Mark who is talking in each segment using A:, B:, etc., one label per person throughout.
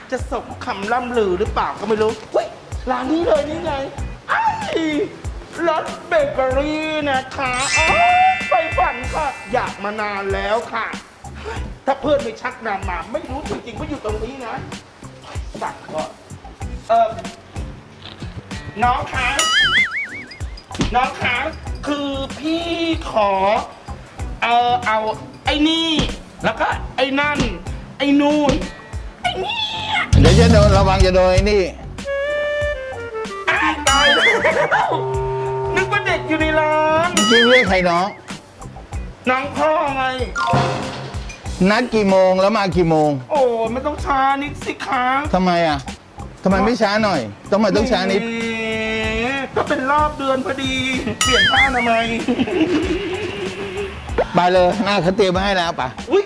A: จะสมคำล่ำลือหรือเปล่าก็ไม่รู้เฮ้ยร้านนี้เลยนี่ไงไอ้รสเบเกอรี่นะคะอ๋อไฟฝันค่ะอยากมานานแล้วค่ะถ้าเพื่อนไม่ชักนำมาไม่รู้จริงๆว่าอยู่ตรงนี้นะสั่งก่อนน้องคะน้องคะคือพี่ขอเอาไอ้นี่แล้วก็ไอ้นั่นไอ้นู่นไอ้นี่
B: เดี๋ยวจะโดนระวังจะโดนไอ้นี่
A: ตายแล้วนึกว่าเด็กอยู่ในร้าน
B: จริงเรียกใครน้อง
A: น้องพ่อไง
B: นัดกี่โมงแล้วมากี่โมง
A: โอ้ไม่ต้องช้านิดสิคะ
B: ทำไมอ่ะทำไมไม่ช้าหน่อยต้องช้านิด
A: ก็เป็นรอบเดือนพอดีเปลี่ยนผ้าทำไมย
B: ไปเลยหน้าเขาเตรียมมาให้แล้วป่ะ
A: อุ้ย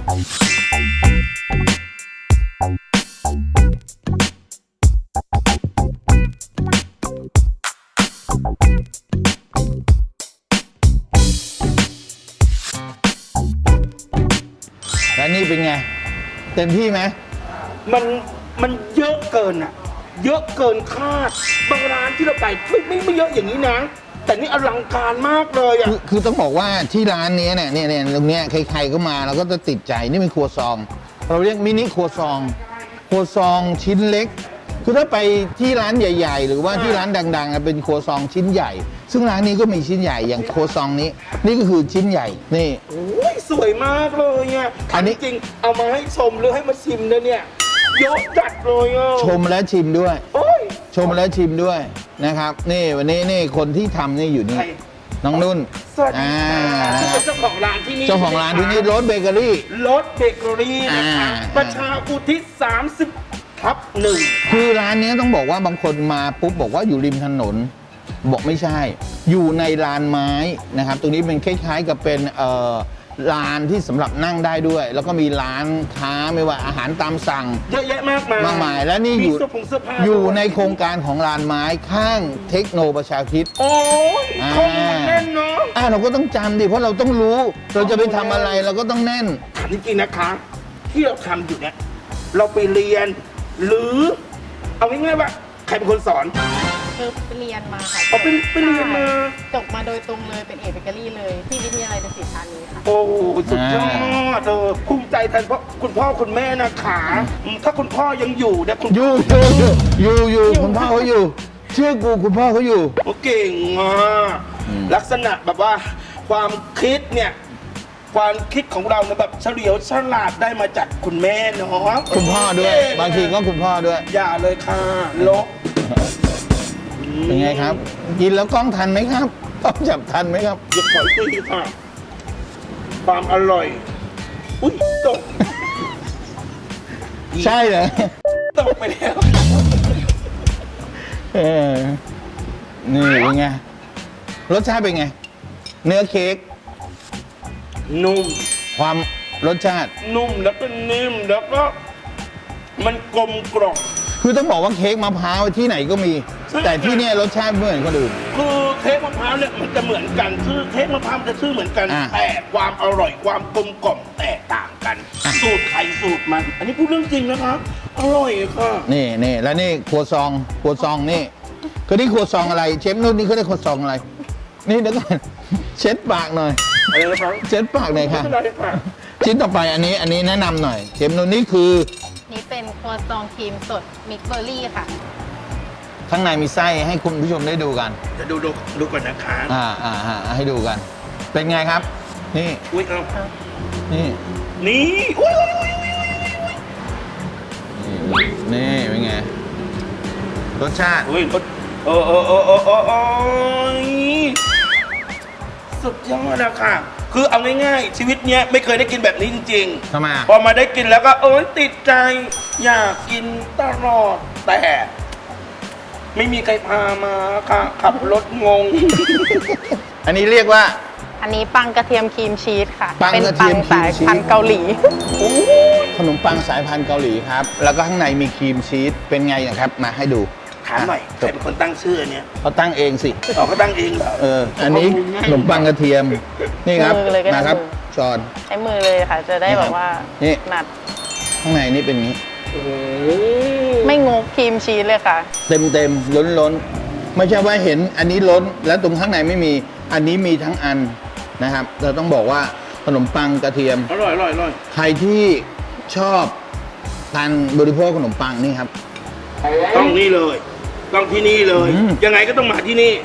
B: แล้วนี่เป็นไง เต็มที่ไหม
A: มันเยอะเกินอ่ะ เยอะเกินคาดบางร้านที่เราไปไม่เยอะอย่างนี้นะ แต่นี่อลังการมากเลยอ่ะ
B: คือต้องบอกว่าที่ร้านนี้เนี่ยตรงเนี้ยใครๆก็มาเราก็จะติดใจนี่เป็นครัวซอง เราเรียกมินิครัวซองชิ้นเล็ก คือถ้าไปที่ร้านใหญ่ ๆ หรือว่าที่ร้านดังๆเป็นครัวซองชิ้นใหญ่ ซึ่งร้านนี้ก็มีชิ้นใหญ่อย่างครัวซองนี้นี่ก็คือชิ้นใหญ่นี่
A: โอ้ยสวยมากเลยอ่ะ
B: อันนี้
A: จริงๆเอามาให้ชมหรือให้มาชิมเนี่ยเยอะจัดเลยอ่ะ
B: ชมและชิมด้วย
A: โอ้ย
B: ชมและชิมด้วยนะครับนี่วันนี้นี่คนที่ทำนี่อยู่นี่
A: ใคร
B: น้องนุ่น
A: สวัสดีค่ะที่เป็นเจ้าของร้านที่นี่
B: เจ้าของร้านที่นี่รสเบเกอรี่
A: รสเบเกอรี่นะคะ
B: อ่า
A: ประชาอุทิศ30/1
B: คือร้านนี้ต้องบอกว่าบางคนมาปุ๊บบอกว่าอยู่ริมถนน บอกไม่ใช่ อยู่ในลานไม้นะครับ ตรงนี้เป็นคล้ายๆกับเป็นลานที่สำหรับนั่งได้ด้วย แล้วก็มีร้านค้าไม่ว่าอาหารตามสั่ง
A: เยอะแยะมากมาย
B: และนี่
A: มีเสื้อผ้า
B: อยู่
A: ด้วย
B: ในโครงการของลานไม้ข้างเทคโนประชาคิด
A: โอ้ย
B: อ่า
A: คงมันแน่นเนาะ
B: เราก็ต้องจำดิเพราะเราต้องรู้ เราจะไปทำอะไรเราก็ต้องแน่น
A: ถามจริงๆนะคะ ที่เราทำอยู่เนี่ยเราไปเรียน หรือเอาง่ายๆว่าใครเป็นคนสอน
C: คือไปเรียนมาค่ะ
A: เอาไปเรียนมา
C: จบมาโดยตรงเลยเป็นเอกเบเกอรี่เลย ที่วิทยาลัยดุสิตธานีค่ะ
A: โอ้สุดยอดภูมิใจแทนคุณพ่อคุณแม่นะคะถ้าคุณพ่อยังอยู่เนี่ยคุณ
B: อยู่คุณพ่อเขาอยู่ เชื่อกูคุณพ่อเขาอยู่
A: โอ้เก่งอ่ะลักษณะแบบว่าความคิดเนี่ยความคิดของเราเนี่ยแบบเฉลียวฉลาดได้มาจากคุณแม่เนาะ
B: คุณพ่อด้วย
A: เก่
B: บางทีก็คุณพ่อด้วย
A: อย่าเลยค่ะลบ
B: เป็นไงครับ กินแล้วกล้องทันไหมครับต้องจับทันไหมครับ
A: หยุดขอยตีค่ะ ความอร่อย อุ้ยตก
B: ใช่เหรอ
A: ตกไปแล้ว
B: เออนี่เป็นไง รสชาติเป็นไง เนื้อเค้ก
A: นุ่ม
B: ความรสชาติ
A: นุ่มแล้วก็นิ่มแล้วก็มันกลมกล่อม
B: คือต้องบอกว่าเค้กมะพร้าวที่ไหนก็มี
A: ใช่
B: แต่ที่เนี่ยรสชาติไม่เหมือนคนอื่น
A: คือเค้กมะพร้าวเนี่ยมันจะเหมือนกันชื่อเค้กมะพร้าวมันจะชื่อเหมือนกัน
B: อ่า
A: แต่ความอร่อยความกลมกล่อมแตกต่างกัน
B: อ่ะ
A: สูตรใครสูตรมัน อันนี้พูดเรื่องจริงนะคะอร่อยค่ะ
B: นี่แล้วนี่ครัวซองนี่คือนี่ครัวซองอะไร เชฟนุ่นนี่เขาได้ครัวซองอะไร นี่เดี๋ยวก่อนเช็ดปากหน่อย
A: อะไรนะครับ
B: เช็ดปากหน่อยค่ะ
A: ไม่เป็นไรค่ะ
B: ชิ้นต่อไปอันนี้แนะนำหน่อยเชฟนุ่นนี่คือ
C: นี่เป็นครัวซองครีมสดมิกซ์เบอร์รี่ค่ะ
B: ข้างในมีไส้ให้คุณผู้ชมได้ดูกัน
A: เดี๋ยวดูก่อนนะคะ
B: ให้ดูกัน เป็นไงครับ นี่
A: อุ้ยเอา
B: นี่
A: นี่อุ้ย
B: นี่เป็นไง รสชาติ
A: อุ้ยโอ้สุดยอดนะค่ะ คือเอาง่ายๆชีวิตเนี้ยไม่เคยได้กินแบบนี้จริงๆ
B: ทำไมอ่ะ
A: พอมาได้กินแล้วก็โอ๊ยติดใจ อยากกินตลอดแต่ ไม่มีใครพามาค่ะขับรถงง
B: อันนี้เรียกว่า
C: อันนี้ปังกระเทียมครีมชีสค่ะ
B: ปัง
C: เป็น
B: กระเที
C: ปั
B: ย
C: ง
B: มครีม
C: สาย
B: ชีส
C: พันธุ์เกาหลี
B: ขนมปังสายพันธุ์เกาหลีครับ แล้วก็ข้างในมีครีมชีส เป็นไงนะครับ มาให้ดู
A: ถามหน่อยใครเป็นคนตั้งชื่ออันเนี้ย
B: เขาตั้งเองสิ
A: อ๋อเขาตั้งเองเหรอ
B: อันนี้ขนมปังกระเทียม นี่ครับ
C: มือเลยก็ได้
B: มาครับ
C: มือ
B: ช้อน
C: ใช้มือเลยค่ะ จะได้
B: นี่ครับ
C: แบบว่า
B: นี่
C: หนัด
B: ข้างในนี่เป็นอย่างนี้
A: โอ้โห
C: ไม่งกครีมชีสเลยค่ะ
B: เต็มล้นไม่ใช่ว่าเห็นอันนี้ล้นแล้วตรงข้างในไม่มีอันนี้มีทั้งอันนะครับ เราต้องบอกว่าขนมปังกระเทียม
A: อร่อย
B: ใครที่ชอบการบริโภคขนมปังนี่ครับ
A: ต้องนี่เลย ต้องที่นี่เลย
B: อืม
A: ยังไงก็ต้องมาที่นี่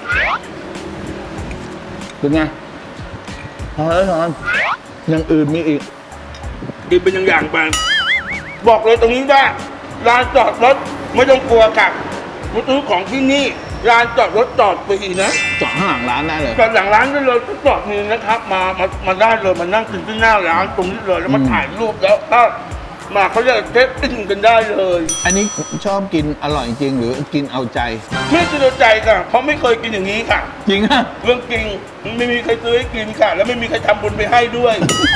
B: เป็นไงพอแล้วทอนอย่างอื่นมีอีก
A: กินเป็นอย่างๆไปบอกเลยตรงนี้ว่าร้านจอดรถไม่ต้องกลัวค่ะมาซื้อของที่นี่ร้านจอดรถจอดฟรีนะ
B: จอดข้างหลังร้านได้เลย
A: จอดหลังร้านได้เลยก็จอดนี่นะครับ มาได้เลยมานั่งกินที่หน้าร้านตรงนี้เลยแล้วมาถ่ายรูปแล้วก็มาเขาเรียกเทปอินกันได้เลย
B: อันนี้ชอบกินอร่อยจริงหรือกินเอาใจ
A: ไม่สะดวกใจค่ะเพราะไม่เคยกินอย่างนี้ค่ะ
B: จริงอ่ะ
A: เรื่องจริงไม่มีใครซื้อให้กินค่ะ แล้วไม่มีใครทำบุญไปให้ด้วย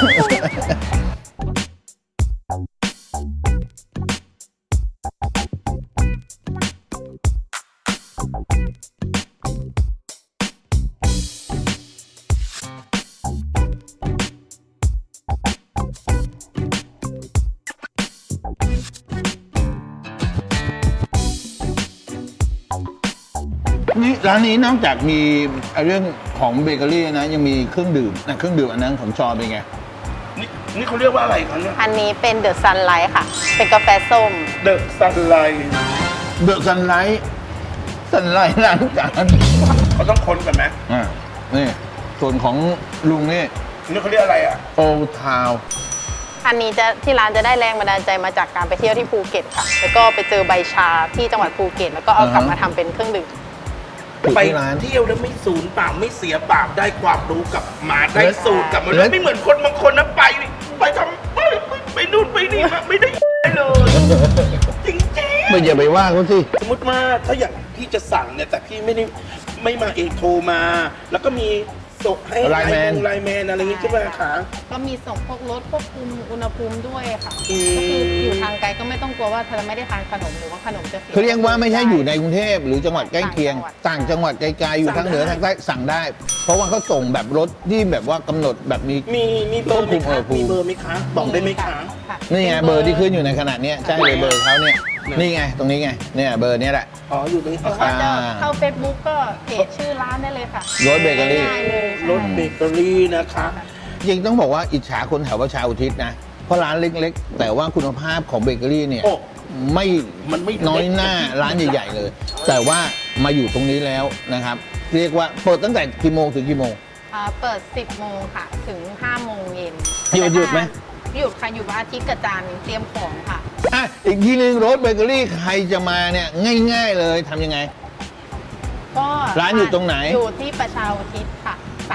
B: นี่ร้านนี้นอกจากมีเรื่องของเบเกอรี่นะยังมีเครื่องดื่มนะเครื่องดื่มอันนั้นของชอเป็นไง
A: นี่เขาเรียกว่าอะไรคะเนี่ย
C: อันนี้เป็นเดอะซันไลท์ค่ะ เป็นกาแฟส้ม
A: เดอะซันไลท์
B: เดอะซันไลท์ล้างจาน
A: เขาต้องคนกันไหม
B: อ่านี่ส่วนของลุงนี่
A: นี่เขาเรียกอะไรอ่ะ
B: โอทาว
C: อันนี้จะที่ร้านจะได้แรงบันดาลใจมาจากการไปเที่ยวที่ภูเก็ตค่ะ แล้วก็ไปเจอใบชาที่จังหวัดภูเก็ต แล้วก็เอากลับมาทำเป็นเครื่องดื่ม
A: ไป
B: ที่ร้าน
A: เที่ยวแล้วไม่สูญเปล่าไม่เสียเปล่าได้ความรู้กลับมาได้สูตรกลับมา
B: แล้ว
A: ไม่เหมือนคนบางคนนะไปทำไปนู่นไปนี่มาไม่ได้เลย จริง
B: ไม่อย่าไปว่าเขาสิ
A: ๆสมมติว่าถ้าอย่างพี่จะสั่งเนี่ยแต่พี่ไม่มาเองโทรมา แล้วก็มีส่งให้
B: ไลน์แมน
A: ไลน์แมนอะไรอย่างงี้ใช่ไหมคะ
C: ก็มีส่งพวกรถควบคุมอุณหภูมิด้วยค่ะ
A: อืม
C: ก็คืออยู่ทางไกลก็ไม่ต้องกลัวว่าเธอไม่ได้ทานขนมหรือว่าขนมจะเสีย
B: เขาเรียกว่าไม่ใช่อยู่ในกรุงเทพหรือจังหวัดใกล้เคียง
C: ต่างจังหวัด
B: ต่างจังหวัดไกลๆอยู่ทางเหนือทางใต้สั่งได้ เพราะว่าเขาส่งแบบรถที่แบบว่ากำหนดแบบมี
A: มีเบอร์ไหม
B: คว
A: คะ
B: บคุมอุณหภูมิ
A: มีเบอร์ไหมคะบอกได้ไหมคะ
C: ค่ะ
B: นี่ไงเบอร์ที่ขึ้นอยู่ในขณะเนี้ยใช่เลยเบอร์เขาเนี่ยนี่ไงตรงนี้ไงเนี่ยเบอร์เนี้ยแหละ
A: อ๋ออยู่ตรงนี้
C: หรือว่าจะเข้า Facebook ก็เพจชื่อร้านได้เลยค่ะ
B: รถเบเกอรี่
C: ง่ายๆเลยใช่
A: รถเบเกอรี่นะคะ
B: จริงต้องบอกว่าอิจฉาคนแถวประชาอุทิศนะ เพราะร้านเล็กๆ แต่ว่าคุณภาพของเบเกอรี่เนี่ย
A: โอ้
B: ไม่
A: มันไม่
B: น้อยหน้าร้านใหญ่ๆเลย แต่ว่ามาอยู่ตรงนี้แล้วนะครับ เรียกว่าเปิดตั้งแต่กี่โมงถึงกี่โมง
C: เปิด 10 โมงค่ะ ถึง 5 โมงเย็น
B: หยุดไหม
C: หยุดค่ะหยุดวันอาทิตย์กับจันทร์เตรียมของค่ะ
B: อ่ะอีกทีนึงรถเบเกอรี่ใครจะมาเนี่ยง่ายๆเลยทำยังไง
C: ก็
B: ร้านอยู่ตรงไหน
C: อยู่ที่ประชาอุทิศค่ะ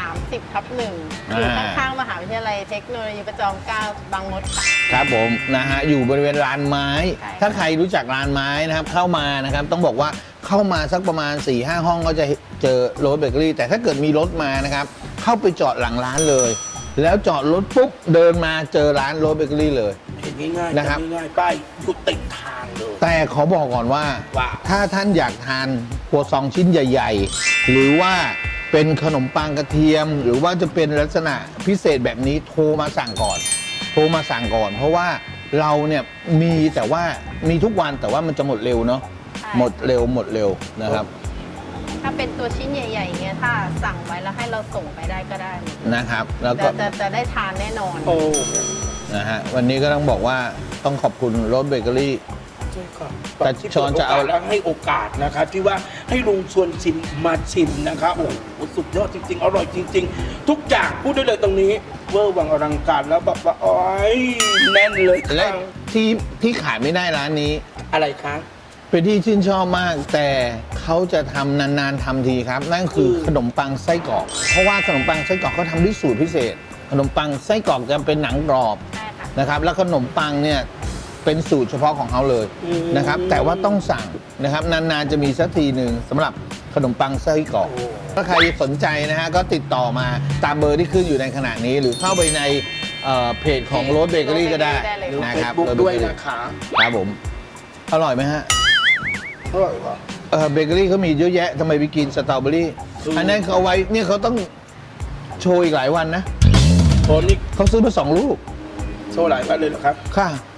C: 30/1 อยู่ข้างๆมหาวิทยาลัยเทคโนโลยีประจอมเกล้าบางมดค่ะ
B: ครับผมนะฮะอยู่บริเวณลานไม้
C: ใช่
B: ถ้าใครรู้จักลานไม้นะครับเข้ามานะครับต้องบอกว่าเข้ามาสักประมาณ 4-5 ห้องก็จะเจอโรสเบเกอรี่แต่ถ้าเกิดมีรถมานะครับเข้าไปจอดหลังร้านเลย แล้วจอดรถปุ๊บเดินมาเจอร้านโรสเบเกอรี่เลย
A: เห็นง่ายๆ
B: นะครับ
A: ง่ายๆป้ายอยู่ติดทางเลย
B: แต่ขอบอกก่อนว่า
A: ว่า
B: ถ้าท่านอยากทานครัวซองชิ้นใหญ่ ๆ หรือว่าเป็นขนมปังกระเทียม หรือว่าจะเป็นลักษณะพิเศษแบบนี้โทรมาสั่งก่อน โทรมาสั่งก่อน เพราะว่าเราเนี่ยมีแต่ว่ามีทุกวันแต่ว่ามันจะหมดเร็วเนาะ
C: ใช่
B: หมดเร็วนะครับ
C: ถ้าเป็นตัวชิ้นใหญ่ๆเงี้ยถ้าสั่งไว้แล้วให้เราส่งไปได้ก็ได้
B: นะครับ แล้วก็
C: จะได้ทานแน่นอน
A: โอ้
B: นะฮะวันนี้ก็ต้องบอกว่าต้องขอบคุณโรสเบเกอรี่
A: ใช่ค่ะ
B: แต่ช้อนจะเอา
A: แล้วให้โอกาสนะคะที่ว่าให้ลุงชวนชิมมาชิมนะคะโอ้โหสุดยอดจริง ๆ อร่อยจริง ๆ ทุกอย่างพูดได้เลยตรงนี้ เวอร์วังอลังการแล้วแบบว่าโอ้ยแน่นเลย
B: และ
A: ค่ะ
B: ที่ขายไม่ได้ร้านนี้
A: อะไรคะ
B: เป็นที่ชื่นชอบมาก แต่เขาจะทำนานๆทำทีครับ นั่นคือขนมปังไส้กรอกเพราะว่าขนมปังไส้กรอกเขาทำด้วยสูตรพิเศษ ขนมปังไส้กรอกจะเป็นหนังกรอบ
C: ใช่ค่ะ
B: นะครับ แล้วขนมปังเนี่ยเป็นสูตรเฉพาะของเขาเลยนะครับ แต่ว่าต้องสั่งนะครับนานๆจะมีสักทีหนึ่งสำหรับขนมปังไส้กรอก ถ้าใครสนใจนะฮะก็ติดต่อมาตามเบอร์ที่ขึ้นอยู่ในขณะนี้ หรือเข้าไปในเพจของโรสเบเกอรี่ก็ได้
C: ได้เลย
A: ดู
B: นะ
A: เฟ
B: ค
A: ซ
B: รับ
A: บุ๊ก
B: Rose
A: ด้วย
B: Bakery
A: นะคะ
B: ครับผมอร่อยไหมฮะ
A: อร่อยว่ะ
B: เบเกอรี่เขามีเยอะแยะทำไมไปกินสตรอเบอรี่ อันนั้นเขาเอาไว้เนี่ยเขาต้องโชว์อีกหลายวันนะ
A: โทนี่
B: เขาซื้อมา2 ลูก
A: โชว์หลายวันเลยเหรอครับ
B: ค่ะ